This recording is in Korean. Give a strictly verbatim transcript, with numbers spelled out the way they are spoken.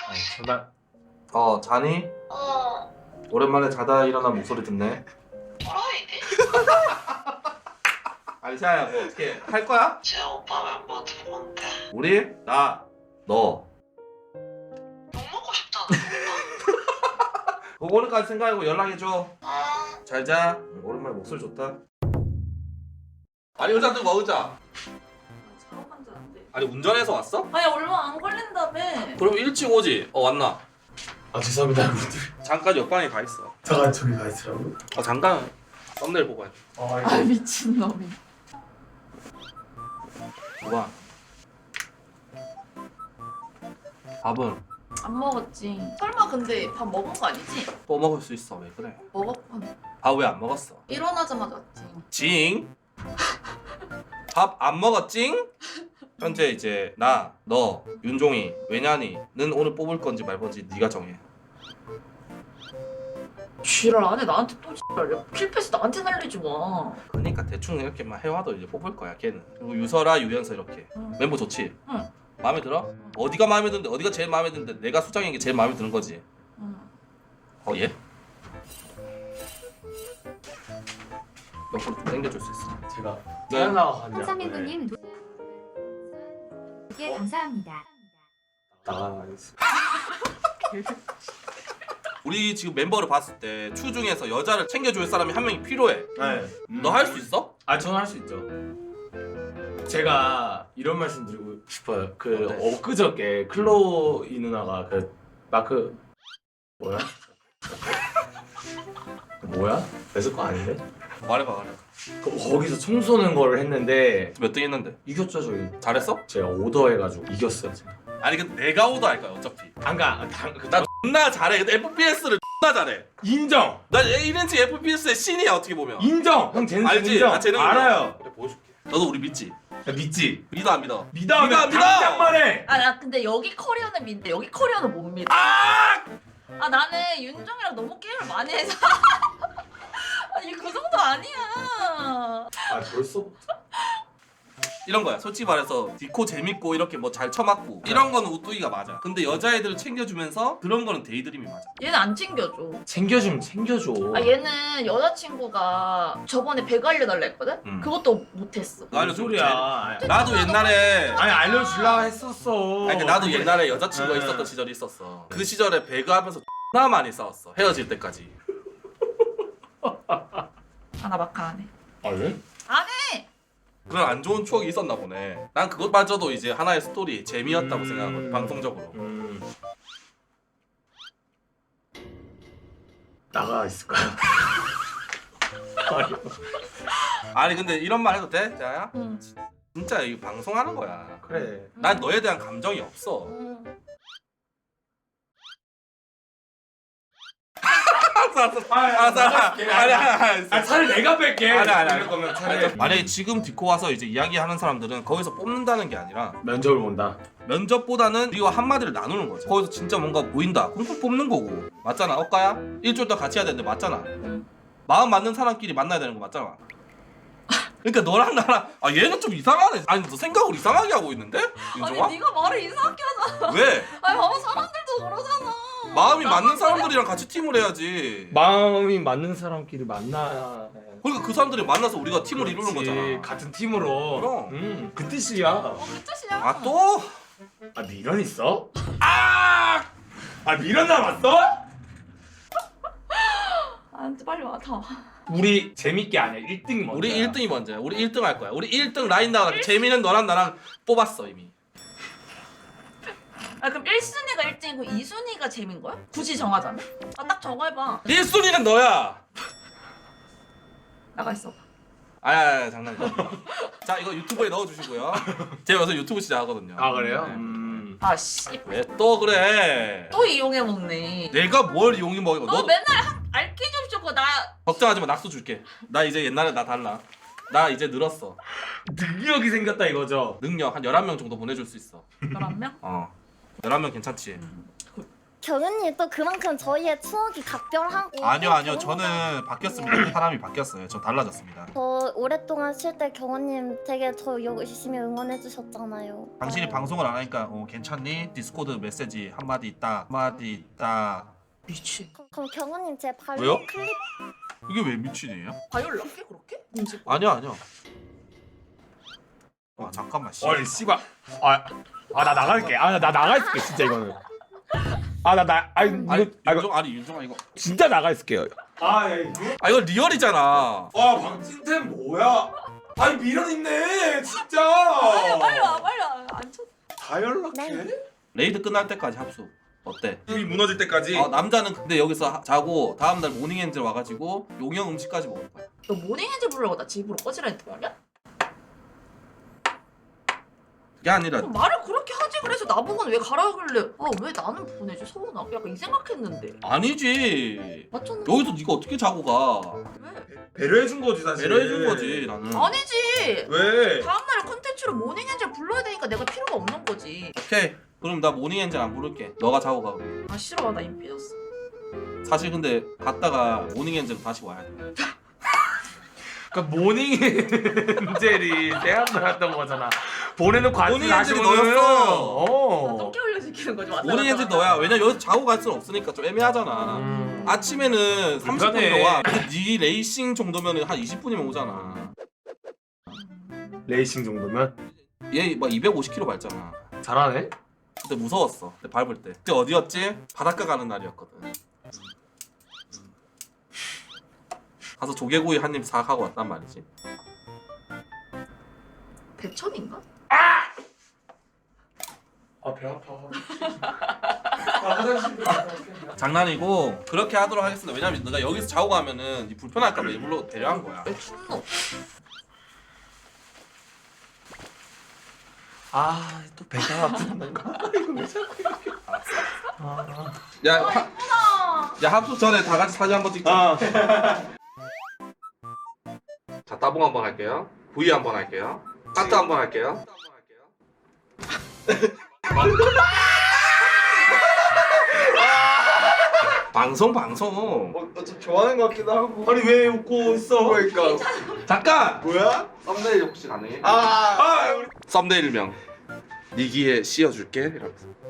아니 제발. 어 자니? 어, 오랜만에 자다 일어난 목소리 듣네. 또라이네? 아니 자야 뭐 어떻게 할 거야? 제 오빠 멤버들 뭔데? 우리? 나? 너? 욕 먹고 싶잖아, 오빠. 그거 오늘까지 생각하고 연락해줘. 어, 잘자. 오랜만에 목소리 좋다. 아니 의자 들고 와 의자. 작업한 줄 안 돼. 아니 운전해서 왔어? 아니 얼마 안 걸린다며. 그럼 일찍 오지. 어 왔나? 아 죄송합니다 여러분들. 잠깐 옆방에 가 있어. 잠깐 저기 가 있으라고. 어 잠깐 썸네일 보고 해. 아 아 미친 놈이. 봐봐. 밥은 안 먹었지. 설마 근데 밥 먹은 거 아니지? 또 먹을 수 있어. 왜 그래? 먹었고. 밥 왜 안 먹었어? 일어나자마자 왔지. 징. 밥 안 먹었징? 현재 이제 나, 너, 윤종이, 외냐니는 오늘 뽑을 건지 말 건지 네가 정해. 쥐랄 안해 나한테 또 쥐랄. 필패스 나한테 날리지 마. 그러니까 대충 이렇게만 해와도 이제 뽑을 거야 걔는. 그리고 유설아, 유연서 이렇게. 응. 멤버 좋지? 응. 마음에 들어? 어디가 마음에 드는데 어디가 제일 마음에 드는데 내가 수장인 게 제일 마음에 드는 거지. 응. 어 얘? 옆으로 좀 당겨줄 수 있어. 제가 네. 나가가지고 한삼인구님 개 감사합니다. 나가겠습니다. 우리 지금 멤버를 봤을 때 추 중에서 여자를 챙겨줄 사람이 한 명이 필요해. 네. 너 할 수 있어? 아 저는 할 수 있죠. 제가 이런 말씀 드리고 싶어요. 그 뭔데? 엊그저께 클로이 누나가 그 마크 뭐야? 뭐야? 뺏을 거 아닌데? 말해봐 말해봐. 그 거기서 총 쏘는 거를 했는데 몇 등 했는데? 이겼죠 저희. 잘했어? 제가 오더해가지고 이겼어요 제가. 아니 근데 내가 오더 할 거야 어차피. 안가 당. 그, 나 존나 잘해. 근데 에프피에스를 존나 잘해. 인정. 나 일 인치 에프피에스의 신이야 어떻게 보면. 인정. 형 재능 알지? 인정. 나 재능 알아요. 그래 보여줄게. 너도 우리 믿지? 야, 믿지. 믿어 안 믿어? 믿어 믿어, 믿어! 당장만 해. 아 나 근데 여기 커리어는 믿는데 여기 커리어는 못 믿어. 아! 아 나는 윤정이랑 너무 게임을 많이 해서. 아니 그 정도 아니야. 아 벌써. 이런 거야. 솔직히 말해서 디코 재밌고 이렇게 뭐 잘 쳐맞고 이런 거는 우뚜이가 맞아. 근데 여자애들을 챙겨주면서 그런 거는 데이드림이 맞아. 얘는 안 챙겨줘. 챙겨주면 챙겨줘. 아 얘는 여자친구가 저번에 배가 알려달라 했거든? 음. 그것도 못했어. 나 무슨 알려줘. 소리야. 나도 옛날에 아니 알려주려 했었어. 아니 그러니까 나도 근데- 옛날에 여자친구가 응. 있었던 시절이 있었어. 그 시절에 배그하면서 존나 많이 싸웠어. 헤어질 때까지. 아 나 마카 안 해. 아 왜? 안 해! 그런 안 좋은 추억이 있었나 보네. 난 그것마저도 이제 하나의 스토리 재미였다고 음. 생각하거든. 방송적으로. 음. 나가 있을까요? 아니. 아니 근데 이런 말 해도 돼? 자야? 응. 진짜 이 방송하는 거야. 그래. 난 너에 대한 감정이 없어. 응. 알았어 알았어. 알았어 알았어. 아니 아니 아 아니. 차라리 내가 뺄게. 아니, 아니, 아니. 이럴 거면 차라리 만약에 지금 디코 와서 이제 이야기하는 사람들은 거기서 뽑는다는 게 아니라 면접을 본다. 면접보다는 우리와 한마디를 나누는 거지. 거기서 진짜 뭔가 보인다. 그럼 또 뽑는 거고. 맞잖아. 엇가야? 일주일 동안 같이 해야 되는데 맞잖아. 응. 마음 맞는 사람끼리 만나야 되는 거 맞잖아. 그러니까 너랑 나랑 아 얘는 좀 이상하네. 아니 너 생각을 이상하게 하고 있는데? 윤종아? 아니 네가 말을 이상하게 하잖아. 왜? 아니 봐봐 사람들도 그러잖아. 마음이 나만 맞는 그래? 사람들이랑 같이 팀을 해야지. 마음이 맞는 사람끼리 만나. 그러니까 그 사람들이 만나서 우리가 팀을 이루는 거잖아. 같은 팀으로. 그럼. 음, 그 뜻이야. 어, 그 뜻이야. 아 또? 아 미련 있어? 아! 아 미련 남았어? 아, 빨리 와, 다 와. 우리 재밌게 아니야. 일 등이 먼저. 우리 일 등이 먼저야. 우리 일 등 할 거야. 우리 일 등 라인 나가. 재미는 너랑 나랑 뽑았어 이미. 아 그럼 일 순위가 일 등이고 이 순위가 재민 거야? 굳이 정하자면? 아 딱 정해봐. 일 순위는 너야. 나가 있어. 아니, 아니, 아니 장난이야. 자 이거 유튜브에 넣어주시고요. 제가 요새 유튜브 시작하거든요. 아 그래요? 네. 음. 아 씨. 왜 또 그래? 또 이용해 먹네. 내가 뭘 이용해 먹어? 너 너 맨날 한 알기 좀 주고 나 걱정하지 마. 낙수 줄게. 나 이제 옛날에 나 달라. 나 이제 늘었어. 능력이 생겼다 이거죠. 능력 한 열한 명 정도 보내줄 수 있어. 열한 명? 어. 열한 명 괜찮지? 음. 경은님 또 그만큼 저희의 추억이 각별하고 아니요 아니요 경은이가- 저는 바뀌었습니다. 사람이 바뀌었어요. 저 달라졌습니다. 저 오랫동안 쉴 때 경은님 되게 저 열심히 응원해 주셨잖아요. 당신이 방송을 안 하니까 어, 괜찮니? 디스코드 메시지 한마디 있다 한마디 있다. 미친. 그럼, 그럼 경은님 제 발로 왜요? 클립 이게 왜 미친이에요? 바이올 낫게 그렇게? 뭔지. 아니야 아니야. 아 잠깐만 씨. 어이 씨발. 아, 아 나 나갈게. 아 나 나가 있을게 진짜 이거는. 아 나 나 아니 이거 아니 아, 이거 윤종 아니 윤종아 이거. 진짜 나가 있을게요. 아 야, 이거. 아 이거 리얼이잖아. 아 박진템 뭐야? 아니 미련 있네 진짜. 빨리 빨리 와 빨리 와. 안 쳤. 다 연락해? 네. 레이드 끝날 때까지 합수. 어때? 힘이 무너질 때까지. 어, 남자는 근데 여기서 하- 자고 다음날 모닝엔젤 와가지고 용형 음식까지 먹을 거야. 너 모닝엔젤 부르려고 나 집으로 꺼지라 했던 거 아니야? 그게 아니라 그럼 말을 그렇게 하지 그래서 나보고는 왜 가라 그래? 아 왜 나는 보내지 서운하? 약간 이 생각했는데. 아니지. 맞잖아. 여기서 네가 어떻게 자고 가? 왜? 배려해준 거지 사실. 배려해준 거지 나는. 아니지. 왜? 다음날 콘텐츠로 모닝엔젤 불러야 되니까 내가 필요가 없는 거지. 오케이. 그럼 나 모닝엔젤 안 부를게. 너가 자고 가. 아 싫어 나 이미 삐졌어. 사실 근데 갔다가 모닝엔젤로 다시 와야 돼. 그러니까 모닝엔젤이 대한나였던 거잖아. 보내놓고 안 모닝엔젤이 너였어. 어. 똥개 흘려 시키는 거지. 왔다 모닝엔젤 갔다 너야. 왜냐 여기서 자고 갈 수는 없으니까 좀 애매하잖아. 음. 아침에는 삼십 불편해. 분이면 와. 근데 네 레이싱 정도면 한 이십 분이면 오잖아. 레이싱 정도면 얘 막 이백오십 킬로미터 밟잖아. 잘하네. 그때 무서웠어. 그때 밟을 때. 그때 어디였지? 바닷가 가는 날이었거든. 가서 조개구이 한 입 사가고 왔단 말이지. 대천인가? 아 배 아파. 아 화장실. 장난이고 그렇게 하도록 하겠습니다. 왜냐면 내가 여기서 자고 가면은 니 불편할까봐 일부러 배려한 거야. 왜 춥노? 아또 배가 아픈 건가? 이거 왜 자꾸 이렇게? 아. 야, 하, 야 합숙 전에 다 같이 사진 한번 찍자. 아. 자 따봉 한번 할게요. V 한번 할게요. 하트 한번 할게요. 방송 방송. 어, 좀 좋아하는 것 같기도 하고. 아니 왜 웃고 있어? 그러니까. 잠깐. 뭐야? 썸네일 혹시 가능해? 아, 아 우리 썸네일명. 니기에 씌워줄게. 이러면서.